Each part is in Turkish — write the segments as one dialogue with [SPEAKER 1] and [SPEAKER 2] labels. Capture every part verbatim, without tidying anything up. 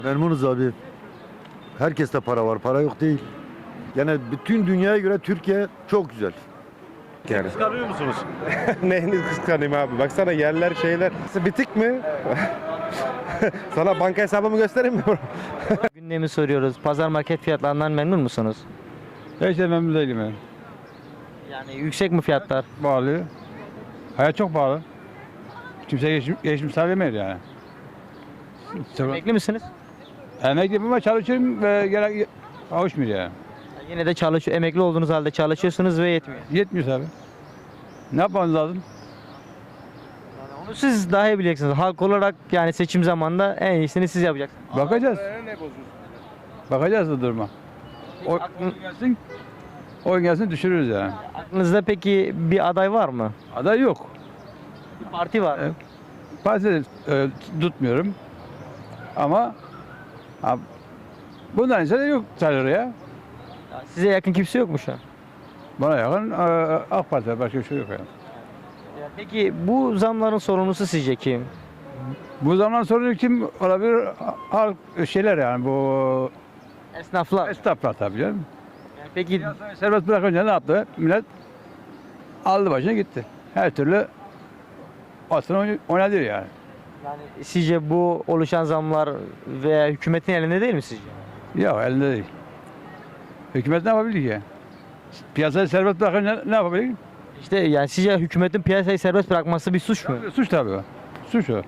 [SPEAKER 1] Memnunuz abi. Herkeste para var, para yok değil. Yani bütün dünyaya göre Türkiye çok güzel.
[SPEAKER 2] Yani.
[SPEAKER 3] Kıskanıyor musunuz?
[SPEAKER 2] Neyini kıskanayım abi? Baksana yerler şeyler. Bitik mi? Sana banka hesabımı göstereyim mi?
[SPEAKER 4] Gündemi soruyoruz. Pazar market fiyatlarından memnun musunuz?
[SPEAKER 5] Hiç de memnun değilim yani.
[SPEAKER 4] Yani yüksek mi fiyatlar?
[SPEAKER 5] Pahalı. Hayat çok pahalı. Kimse geçim, geçim sağlayamıyor yani.
[SPEAKER 4] Emekli misiniz?
[SPEAKER 5] Emekliyim ama çalışıyorum ve gerek kavuşmuyor yani.
[SPEAKER 4] Yani yine de çalışıyor. Emekli olduğunuz halde çalışıyorsunuz ve yetmiyor.
[SPEAKER 5] Yetmiyor tabii. Ne yapmamız lazım?
[SPEAKER 4] Yani onu siz daha iyi bileceksiniz. Halk olarak yani seçim zamanında en iyisini siz yapacaksınız.
[SPEAKER 5] Bakacağız. Bakacağız da duruma. O,
[SPEAKER 4] Aklın-
[SPEAKER 5] gelsin, oyun gelsin düşürürüz yani.
[SPEAKER 4] Aklınızda peki bir aday var mı?
[SPEAKER 5] Aday yok.
[SPEAKER 4] Bir parti var mı?
[SPEAKER 5] Evet. Parti de, e, tutmuyorum. Ama ha, bundan ise de yok sayılır ya.
[SPEAKER 4] Ya size yakın kimse yok mu şu an?
[SPEAKER 5] Bana yakın e, AK Parti var, başka bir şey yok yani.
[SPEAKER 4] Ya peki bu zamların sorumlusu sizce kim?
[SPEAKER 5] Bu zaman sorunu kim olabilir? Halk şeyler yani bu
[SPEAKER 4] Esnaflar.
[SPEAKER 5] esnaflar tabii canım.
[SPEAKER 4] Yani peki
[SPEAKER 5] Serbest bırakınca ne yaptı? Millet aldı başına gitti. Her türlü aslında oynadı yani.
[SPEAKER 4] yani sizce bu oluşan zamlar veya hükümetin elinde değil mi sizce?
[SPEAKER 5] Yok elinde değil. Hükümet ne yapabilir ki? Piyasayı serbest bırakınca ne yapabilir?
[SPEAKER 4] İşte yani sizce hükümetin piyasayı serbest bırakması bir suç mu?
[SPEAKER 5] Suç tabii o. Suç o.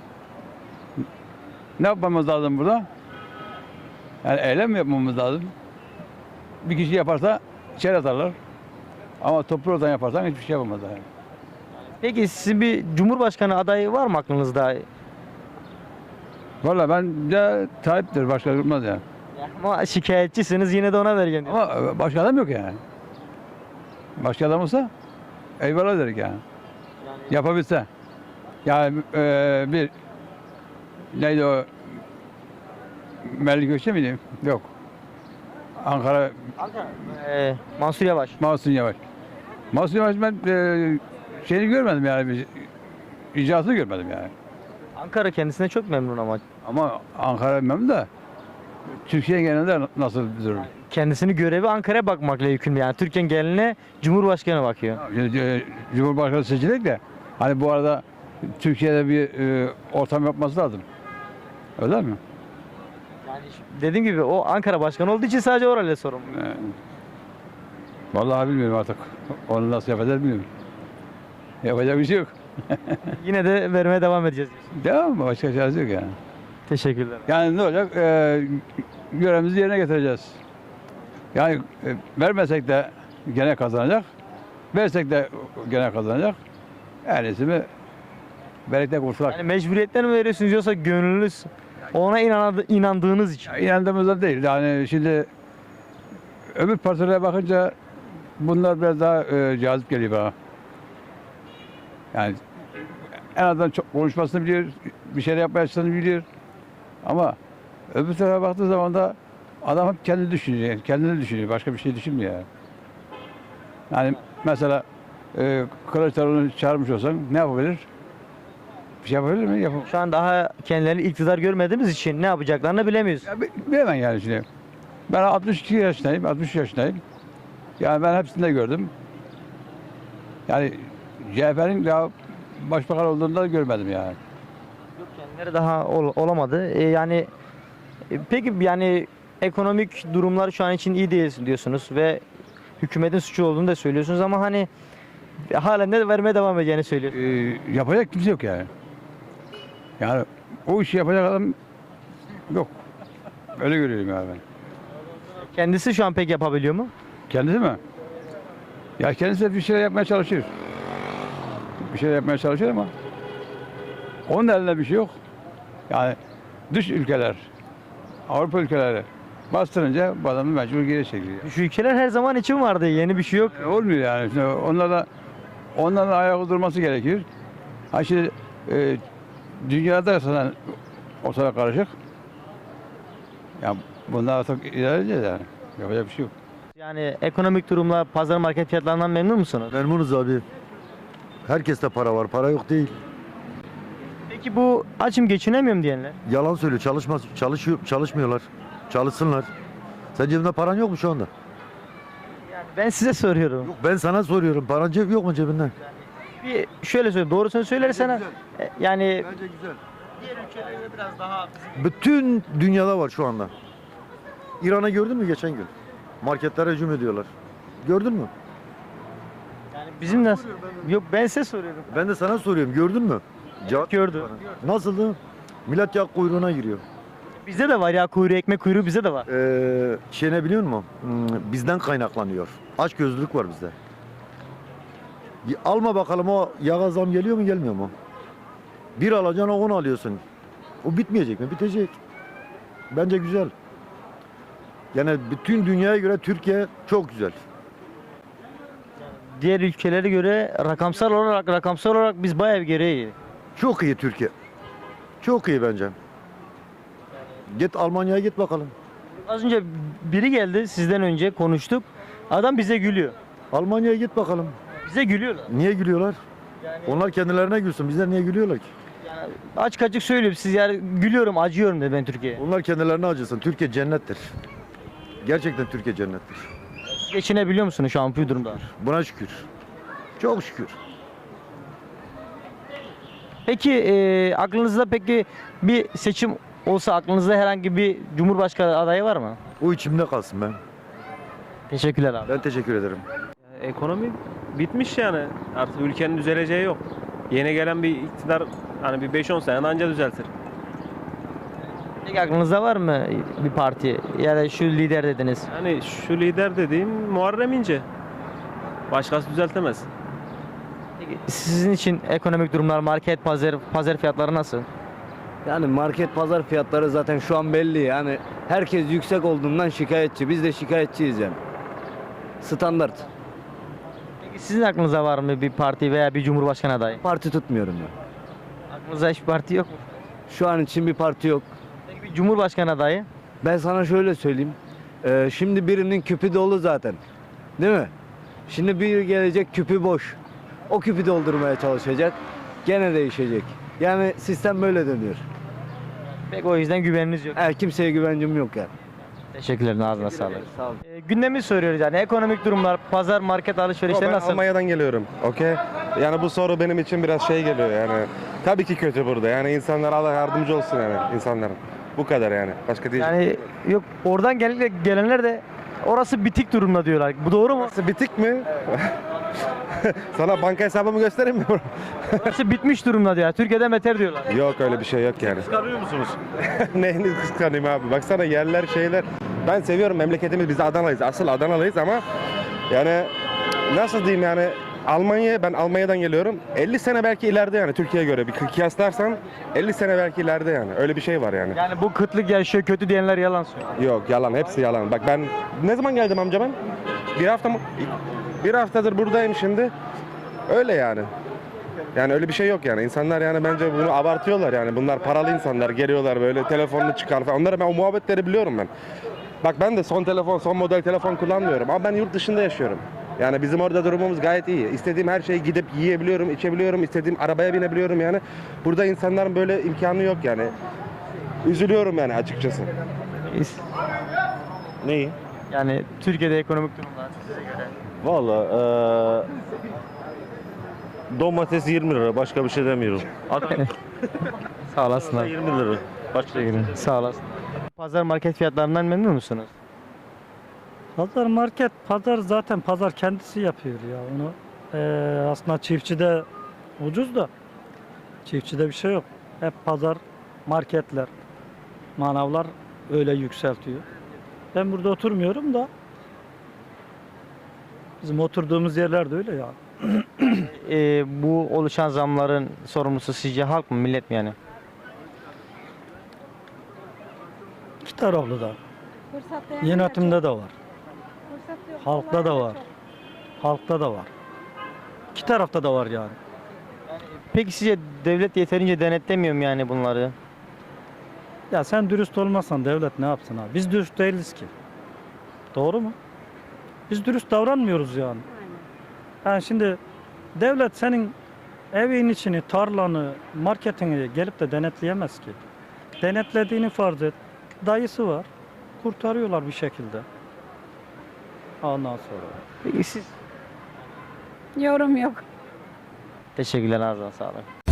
[SPEAKER 5] Ne yapmamız lazım burada? Yani eylem mi yapmamız lazım? Bir kişi yaparsa içeri atarlar. Ama toplu oradan yaparsan hiçbir şey yapamazlar. Yani.
[SPEAKER 4] Peki sizin bir cumhurbaşkanı adayı var mı aklınızda?
[SPEAKER 5] Valla ben de Tayyip'tir, başka durmaz yani.
[SPEAKER 4] Ama şikayetçisiniz yine de ona vereceğim diyor.
[SPEAKER 5] Ama başka adam yok yani. Başka adam olsa eyvallah dedik yani. Yapabilse. Yani e, bir neydi o Melik Gökçe miydi? Yok. Ankara
[SPEAKER 4] Ee, Mansur Yavaş.
[SPEAKER 5] Mahsun Yavaş. Mahsun Yavaş ben e, şeyini görmedim yani. Bir, icraatını görmedim yani.
[SPEAKER 4] Ankara kendisine çok memnun ama.
[SPEAKER 5] Ama Ankara memnun da Türkiye genelinde nasıl bir durum?
[SPEAKER 4] Kendisini görevi Ankara'ya bakmakla yükümlü. Yani Türkiye'nin geneline Cumhurbaşkanı bakıyor.
[SPEAKER 5] Şimdi, e, Cumhurbaşkanı seçilecek de hani bu arada Türkiye'de bir e, ortam yapması lazım. Öyle mi?
[SPEAKER 4] Yani dediğim gibi o Ankara başkanı olduğu için sadece orayla sorumlu.
[SPEAKER 5] E, vallahi bilmiyorum artık. Onu nasıl yapacağız bilmiyorum. Yapacak bir şey yok.
[SPEAKER 4] Yine de vermeye devam edeceğiz diyorsun.
[SPEAKER 5] Devam mı? Başka çaresi yok yani.
[SPEAKER 4] Teşekkürler.
[SPEAKER 5] Yani ne olacak? E, görevimizi yerine getireceğiz. Yani e, vermesek de gene kazanacak. Versek de gene kazanacak. En iyisi mi? Birlikte kurtulak.
[SPEAKER 4] Yani mecburiyetten mi veriyorsunuz yoksa gönlünüz ona inanadı, inandığınız için?
[SPEAKER 5] Ya, inandığımızda değil. Yani şimdi öbür partilere bakınca bunlar biraz daha e, cazip geliyor bana. Yani en azından çok konuşmasını biliyor, bir şeyler yapmaya çalıştığını biliyor. Ama öbür tarafa baktığı zaman da adam hep kendi düşünüyor, kendini düşünüyor, başka bir şey düşünmüyor yani. Yani mesela e, Kılıçdaroğlu'nu çağırmış olsan ne yapabilir? Bir şey yapabilir mi? Yapamaz.
[SPEAKER 4] Şu an daha kendilerini iktidar görmediğimiz için ne yapacaklarını bilemiyoruz.
[SPEAKER 5] Ya, bi- bilemem yani şimdi. Ben altmış iki yaşındayım, altmış üç yaşındayım. Yani ben hepsini de gördüm. Yani C H P'nin daha başbakan olduğunu da görmedim yani.
[SPEAKER 4] Yok, kendileri daha ol- olamadı. E, yani e, peki yani ekonomik durumlar şu an için iyi değil diyorsunuz ve hükümetin suçu olduğunu da söylüyorsunuz ama hani halen de vermeye devam edeceğini söylüyorsunuz.
[SPEAKER 5] Ee, yapacak kimse yok yani. Yani o işi yapacak adam yok. Öyle görüyorum yani ben.
[SPEAKER 4] Kendisi şu an pek yapabiliyor mu?
[SPEAKER 5] Kendisi mi? Ya kendisi de bir şeyler yapmaya çalışıyor. Bir şeyler yapmaya çalışıyor ama onun elinde bir şey yok. Yani dış ülkeler, Avrupa ülkeleri bastırınca bu adamı mecbur geri çekiliyor.
[SPEAKER 4] Şu ülkeler her zaman için vardı. Yeni bir şey yok.
[SPEAKER 5] E, olmuyor yani. Şimdi onlarla onların ayağı durması gerekiyor. Ha şimdi e, dünyada zaten ortalık karışık. Ya bunlar artık ilerleyeceğiz yani. Yapacak bir şey yok.
[SPEAKER 4] Yani ekonomik durumlar, pazar market fiyatlarından memnun musunuz?
[SPEAKER 1] Memnunuz abi. Herkeste para var, para yok değil.
[SPEAKER 4] Peki bu açım geçinemiyorum diyenler?
[SPEAKER 1] Yalan söylüyor. Çalışmaz, çalışıyor, çalışmıyorlar. Çalışsınlar. Sen cebinde paran yok mu şu anda?
[SPEAKER 4] Yani ben size soruyorum.
[SPEAKER 1] Yok, ben sana soruyorum. Paran cep yok mu cebinde?
[SPEAKER 4] Bir şöyle söyle, doğrusunu söylersen e, yani
[SPEAKER 1] Bence güzel.
[SPEAKER 4] diğer ülkelerde biraz daha
[SPEAKER 1] Bütün dünyada var şu anda. İran'a gördün mü geçen gün? Marketlere hücum ediyorlar. Gördün mü?
[SPEAKER 4] yani bizim nasıl? Yok ben size soruyorum.
[SPEAKER 1] Ben de sana soruyorum. Gördün mü? Cevap
[SPEAKER 4] Gördüm.
[SPEAKER 1] bana. Nasıldı? Millet yağ kuyruğuna giriyor.
[SPEAKER 4] Bizde de var ya kuyruğu, ekmek kuyruğu bizde de var.
[SPEAKER 1] Ee, şey ne biliyor musun? Hmm, bizden kaynaklanıyor. Açgözlülük var bizde. Bir alma bakalım, o yağa zam geliyor mu gelmiyor mu? Bir alacaksın, on alıyorsun. O bitmeyecek mi? Bitecek. Bence güzel. Yani bütün dünyaya göre Türkiye çok güzel.
[SPEAKER 4] Diğer ülkelere göre rakamsal olarak rakamsal olarak biz bayağı bir geriye.
[SPEAKER 1] Çok iyi Türkiye. Çok iyi bence. Git Almanya'ya git bakalım.
[SPEAKER 4] Az önce biri geldi sizden önce konuştuk. Adam bize gülüyor.
[SPEAKER 1] Almanya'ya git bakalım.
[SPEAKER 4] Bize gülüyorlar.
[SPEAKER 1] Niye gülüyorlar?
[SPEAKER 4] Yani,
[SPEAKER 1] Onlar kendilerine gülsün. Bizler niye gülüyorlar ki?
[SPEAKER 4] yani açık açık söylüyorum siz yani gülüyorum acıyorum dedi ben Türkiye'ye.
[SPEAKER 1] Onlar kendilerine acısın. Türkiye cennettir. Gerçekten Türkiye cennettir.
[SPEAKER 4] Geçinebiliyor musunuz şu an bu durumda?
[SPEAKER 1] Buna şükür. Çok şükür.
[SPEAKER 4] Peki e, aklınızda peki bir seçim olsa aklınızda herhangi bir cumhurbaşkanı adayı var mı?
[SPEAKER 1] O içimde kalsın ben.
[SPEAKER 4] Teşekkürler abi.
[SPEAKER 1] Ben teşekkür ederim.
[SPEAKER 3] Ekonomi bitmiş yani. Artık ülkenin düzeleceği yok. Yeni gelen bir iktidar hani bir beş on sene anca düzeltir.
[SPEAKER 4] Peki aklınızda var mı bir parti ya da şu lider dediniz?
[SPEAKER 3] Yani şu lider dediğim Muharrem İnce. Başkası düzeltemez.
[SPEAKER 4] Peki sizin için ekonomik durumlar, market, pazar, pazar fiyatları nasıl?
[SPEAKER 6] Yani market pazar fiyatları zaten şu an belli. Yani herkes yüksek olduğundan şikayetçi. Biz de şikayetçiyiz yani. Standart.
[SPEAKER 4] Peki sizin aklınızda var mı bir parti veya bir cumhurbaşkanı adayı?
[SPEAKER 6] Parti tutmuyorum ben.
[SPEAKER 4] Aklınızda hiçbir parti yok mu?
[SPEAKER 6] Şu an için bir parti yok.
[SPEAKER 4] Peki bir cumhurbaşkanı adayı?
[SPEAKER 6] Ben sana şöyle söyleyeyim. Ee, şimdi birinin küpü dolu zaten. Değil mi? Şimdi bir gelecek küpü boş. O küpü doldurmaya çalışacak. Gene değişecek. Yani sistem böyle dönüyor.
[SPEAKER 4] Peki o yüzden güveniniz yok.
[SPEAKER 6] Her kimseye güvencim yok yani.
[SPEAKER 4] Teşekkürler, ağzına sağlık.
[SPEAKER 6] Sağ ol.
[SPEAKER 4] E, gündemi soruyoruz yani ekonomik durumlar, pazar, market alışverişleri
[SPEAKER 2] Ben
[SPEAKER 4] nasıl?
[SPEAKER 2] Almanya'dan geliyorum. Okey. Yani bu soru benim için biraz şey geliyor yani. Tabii ki kötü burada. Yani insanlar Allah yardımcı olsun yani insanların. Bu kadar yani. Başka değil.
[SPEAKER 4] Yani yok oradan gel gelenler de orası bitik durumda diyorlar. Bu doğru mu?
[SPEAKER 2] Burası bitik mi? Sana banka hesabımı göstereyim mi?
[SPEAKER 4] Orası bitmiş durumda diyor. Türkiye'de beter diyorlar.
[SPEAKER 2] Yok öyle bir şey yok yani.
[SPEAKER 3] Kıskanıyor musunuz?
[SPEAKER 2] Neyini kıskanayım abi? Baksana yerler şeyler. Ben seviyorum memleketimiz. Biz Adanalıyız. Asıl Adanalıyız ama yani nasıl diyeyim yani Almanya, ben Almanya'dan geliyorum. elli sene belki ileride yani Türkiye'ye göre bir kıyaslarsan elli sene belki ileride yani. Öyle bir şey var yani.
[SPEAKER 4] Yani bu kıtlık yaşıyor kötü diyenler yalan söylüyor.
[SPEAKER 2] Yok yalan, hepsi yalan. Bak ben ne zaman geldim amca ben? Bir hafta mı? Bir haftadır buradayım şimdi. Öyle yani. Yani öyle bir şey yok yani. İnsanlar yani bence bunu abartıyorlar yani. Bunlar paralı insanlar. Geliyorlar böyle telefonunu çıkar falan. Onları ben o muhabbetleri biliyorum ben. Bak ben de son telefon, son model telefon kullanmıyorum. Ama ben yurt dışında yaşıyorum. Yani bizim orada durumumuz gayet iyi. İstediğim her şeyi gidip yiyebiliyorum, içebiliyorum. İstediğim arabaya binebiliyorum yani. Burada insanların böyle imkanı yok yani. Üzülüyorum yani açıkçası.
[SPEAKER 7] Neyi?
[SPEAKER 4] Yani Türkiye'de ekonomik durumlar size göre.
[SPEAKER 7] Valla eee domates yirmi lira, başka bir şey demiyorum. Adam
[SPEAKER 4] Sağ olasın abi.
[SPEAKER 7] yirmi lira. Başka bir şey.
[SPEAKER 4] Sağ olasın. Pazar market fiyatlarından memnun musunuz?
[SPEAKER 8] Pazar market, pazar zaten pazar kendisi yapıyor ya onu. Ee, aslında çiftçide ucuz da çiftçide bir şey yok. Hep pazar, marketler, manavlar öyle yükseltiyor. Ben burada oturmuyorum da bizim oturduğumuz yerler de öyle ya.
[SPEAKER 4] Ee, bu oluşan zamların sorumlusu sizce halk mı millet mi yani?
[SPEAKER 8] İki taraflı da.
[SPEAKER 9] Fırsat
[SPEAKER 8] Yönetimde de var.
[SPEAKER 9] Fırsat yok.
[SPEAKER 8] Halkta da var. Halkta da var. İki tarafta da var yani.
[SPEAKER 4] Peki sizce devlet yeterince denetlemiyor mu yani bunları?
[SPEAKER 8] Ya sen dürüst olmazsan devlet ne yapsın abi? Biz dürüst değiliz ki. Doğru mu? Biz dürüst davranmıyoruz yani. Yani şimdi devlet senin evin içini, tarlanı, marketini gelip de denetleyemez ki. Denetlediğini farz et. Dayısı var. Kurtarıyorlar bir şekilde. Ondan sonra.
[SPEAKER 4] Peki siz?
[SPEAKER 9] Yorum yok.
[SPEAKER 4] Teşekkürler, ağzına sağlık.